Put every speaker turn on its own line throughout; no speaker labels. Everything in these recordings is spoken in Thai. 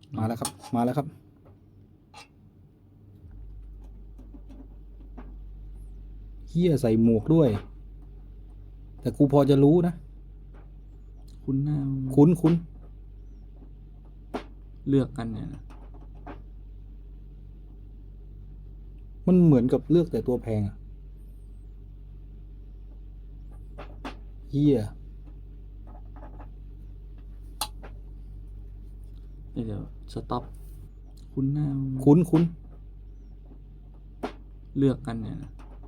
มาแล้วครับมาแล้วครับเฮียใส่หมวกด้วย แต่กูพอจะรู้นะ
คุณหน้า
คุ้น
เลือกกันเนี่ยนะ
มันเหมือนกับเลือกแต่ตัวแพงอะเฮีย
เดี๋ยวสต็อปคุณหน้า
คุ้น
เลือกกันเนี่ยนะ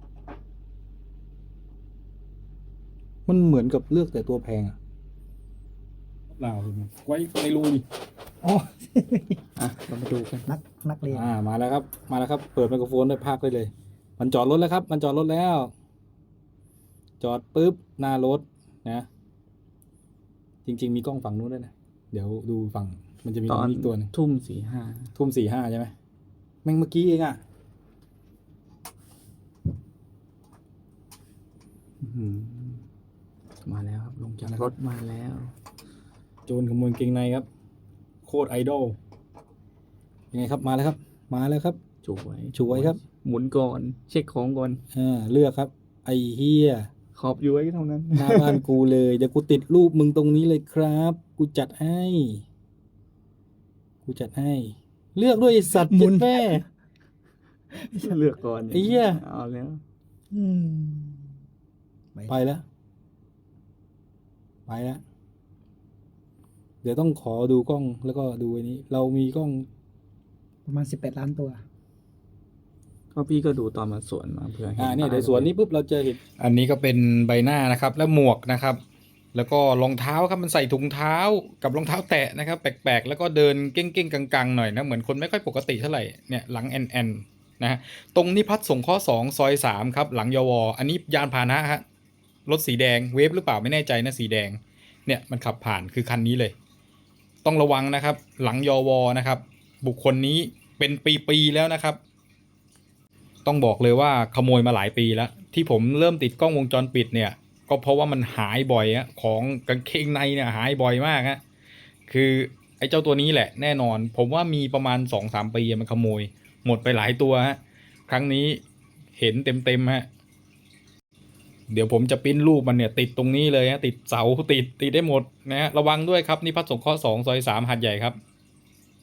มันเหมือนกับเลือกแต่ตัวแพงอะเปล่าไว้ในรูดิอ๋อ
อ่ะเรามาดูกัน
นักเรียน
มาแล้วครับมาแล้วครับ เปิดไมโครโฟนได้พากได้เลย มันจอดรถแล้วครับ มันจอดรถแล้ว จอดปุ๊บหน้ารถนะ จริง ๆ มีกล้องฝั่งนู้นด้วยนะเดี๋ยวดูฝั่งมันจะมี
ตอน
อีกตัวหนึง
ทุ่มสี่ห้า
ทุ่ม45ใช่ไหมแม่งเมื่อกี้เองอะ
มาแล้วครับลงจากรถมาแล้ว
โจรขโมยกางเกงในครับ โคตรไอดอลยังไงครับมาแล้วครับ มาแล้วครับ
ช่วย
ครับ
หมุนก่อน เช็คของก่อน
เลือกครับ ไอเฮีย
ขอบอยู่ไว้เท่านั้น
หน้าบ้านกูเลยเดี๋ยวกูติดรูปมึงตรงนี้เลยครับ กูจัดให้ กูจัดให้ เลือกด้วยไอ้สัตว์
หมุน
เจ็ดแม่
เลือกก่อน
ไอ้เหี้ย
เอาแล้ว
อืม
ไปแล้วไปแล้วเดี๋ยวต้องขอดูกล้องแล้วก็ดูอันนี้ เรามีกล้อง
ประมาณ18 ล้านตัว
ก็พี่ก็ดูตอนมาสวนมาเผื่อเห็น
เนี่ย
ป้า
เดี๋ยวสวนนี้ปุ๊บเราจะเห็นอันนี้ก็เป็นใบหน้านะครับ แล้วหมวกนะครับ แล้วก็รองเท้าครับมันใส่ถุงเท้ากับรองเท้าแตะนะครับ แปลกๆ แล้วก็เดินเก้งๆกังๆหน่อยนะเหมือนคนไม่ค่อยปกติเท่าไหร่เนี่ยหลังแอนนะฮะตรงนิพัฒน์สงเคราะห์2ซอย3ครับหลังยวอันนี้ยานพาหนะฮะรถสีแดงเวฟหรือเปล่าไม่แน่ใจนะสีแดงเนี่ยมันขับผ่านคือคันนี้เลย ต้องระวังนะครับ หลังยวนะครับ บุคคลนี้เป็นปีๆแล้วนะครับ ต้องบอกเลยว่าขโมยมาหลายปีแล้ว ที่ผมเริ่มติดกล้องวงจรปิดเนี่ยก็เพราะว่ามันหายบ่อยอะของกางเกงในเนี่ยหายบ่อยมากฮะคือไอ้เจ้าตัวนี้แหละแน่นอน ผมว่ามีประมาณ 2-3 ปีมันขโมยหมดไปหลายตัวฮะครั้งนี้เห็นเต็มฮะเดี๋ยวผมจะปริ้นรูปมันเนี่ยติดตรงนี้เลยฮะติดเสาติดได้หมดนะฮะระวังด้วยครับนี่พัฒน์สงเคราะห์2ซอย3หาดใหญ่ครับ